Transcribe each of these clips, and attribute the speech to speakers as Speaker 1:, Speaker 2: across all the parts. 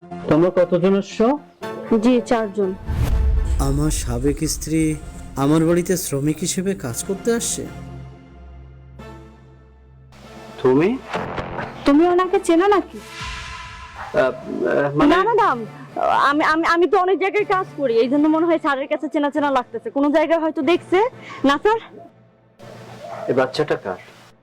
Speaker 1: তোমরা কতজন আসছো?
Speaker 2: জি 4 জন।
Speaker 3: আমার সাবেক স্ত্রী আমার বাড়িতে শ্রমিক হিসেবে কাজ করতে আসছে।
Speaker 1: তুমি?
Speaker 2: তুমি ওনাকে চেনো নাকি?
Speaker 1: মানে
Speaker 2: না না না, আমি আমি আমি তো অনেক জায়গায় কাজ করি, এই জন্য মনে হয় স্যারের কাছে চেনা চেনা লাগতেছে। কোনো জায়গায় হয়তো দেখছে। না স্যার,
Speaker 1: এই বাচ্চাটা কার?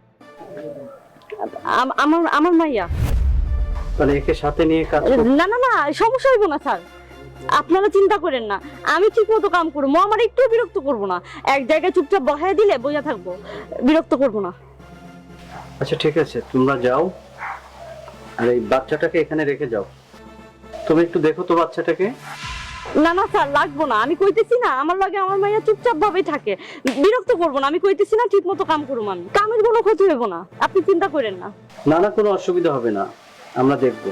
Speaker 2: আমার আমার মাইয়া।
Speaker 1: মানে একে সাথে নিয়ে কাজ করো?
Speaker 2: না না না, সমস্যা হইব না স্যার, আপনারা চিন্তা করেন না। আমি ঠিক মতো কাম করবো, আমার একটু বিরক্ত করবো না। এক জায়গায় চুপচাপ বসায় দিলে বইয়া থাকবো, বিরক্ত করবো না।
Speaker 1: আচ্ছা ঠিক আছে, তোমরা যাও আর এই বাচ্চাটাকে এখানে রেখে যাও। তুমি একটু দেখো তো বাচ্চাটাকে।
Speaker 2: না না স্যার, লাগবো না। আমি কইতেছি না, আমার লাগে আমার মাইয়া চুপচাপ ভাবেই থাকে, বিরক্ত করবো না। আমি কইতেছি না, ঠিক মতো কাম করুম, আমি কামের কোনো ক্ষতি হইব না, আপনি চিন্তা করেন না।
Speaker 1: না না, কোনো অসুবিধা হবে না, আমরা দেখবো।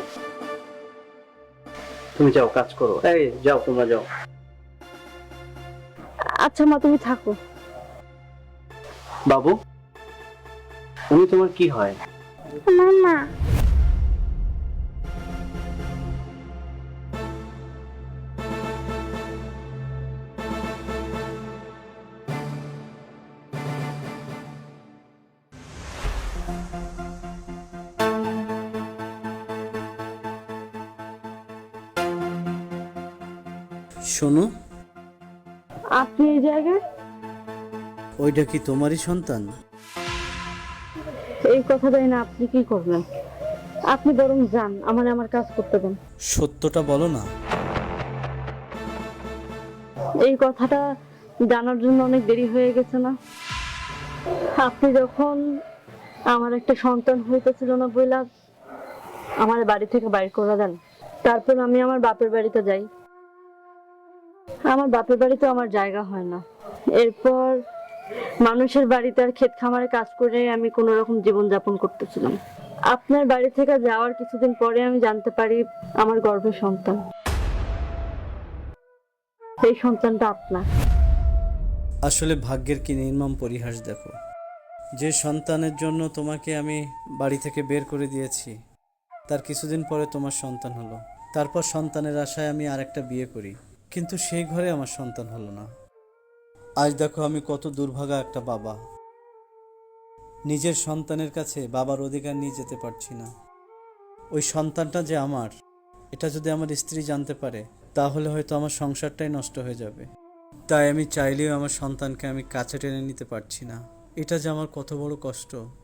Speaker 1: তুমি যাও, কাজ করো। এই যাও, তোমরা যাও।
Speaker 2: আচ্ছা মা, তুমি থাকো।
Speaker 1: বাবু, উনি তোমার কি হয়?
Speaker 2: মামা।
Speaker 3: শোনো,
Speaker 2: আপনি এই জায়গায়?
Speaker 3: ওইটা কি তোমারই সন্তান?
Speaker 2: এই কথাটাই না, আপনি কি করবেন? আপনি বরং যান, আমার কাজ করতে দেন।
Speaker 3: সত্যটা বলো না।
Speaker 2: এই কথাটা জানার জন্য অনেক দেরি হয়ে গেছে না? আপনি যখন আমার একটা সন্তান হইতেছিল না বইলা আমার বাড়ি থেকে বাইর করে দেন, তারপর আমি আমার বাপের বাড়িতে যাই। আমার বাপের বাড়িতে আমার জায়গা হয় না। এরপর মানুষের বাড়িতে আর ক্ষেত খামারে কাজ করে আমি কোন রকম জীবন যাপন করতেছিলাম। আপনার বাড়ি থেকে যাওয়ার কিছুদিন পরে আমি জানতে পারি আমার গর্ভে সন্তান। এই সন্তানটা আপনার।
Speaker 3: আসলে ভাগ্যের কি নির্মম পরিহাস দেখো। যে সন্তানের জন্য তোমাকে আমি বাড়ি থেকে বের করে দিয়েছি, তার কিছুদিন পরে তোমার সন্তান হলো। তারপর সন্তানের আশায় আমি আরেকটা বিয়ে করি, কিন্তু সেই ঘরে আমার সন্তান হলো না। আজ দেখো আমি কত দুর্ভাগা একটা বাবা। নিজের সন্তানের কাছে বাবার অধিকার নিয়ে যেতে পারছি না। ওই সন্তানটা যে আমার, এটা যদি আমার স্ত্রী জানতে পারে, তাহলে হয়তো আমার সংসারটাই নষ্ট হয়ে যাবে। তাই আমি চাইলেও আমার সন্তানকে আমি কাছে টেনে নিতে পারছি না। এটা যে আমার কত বড় কষ্ট।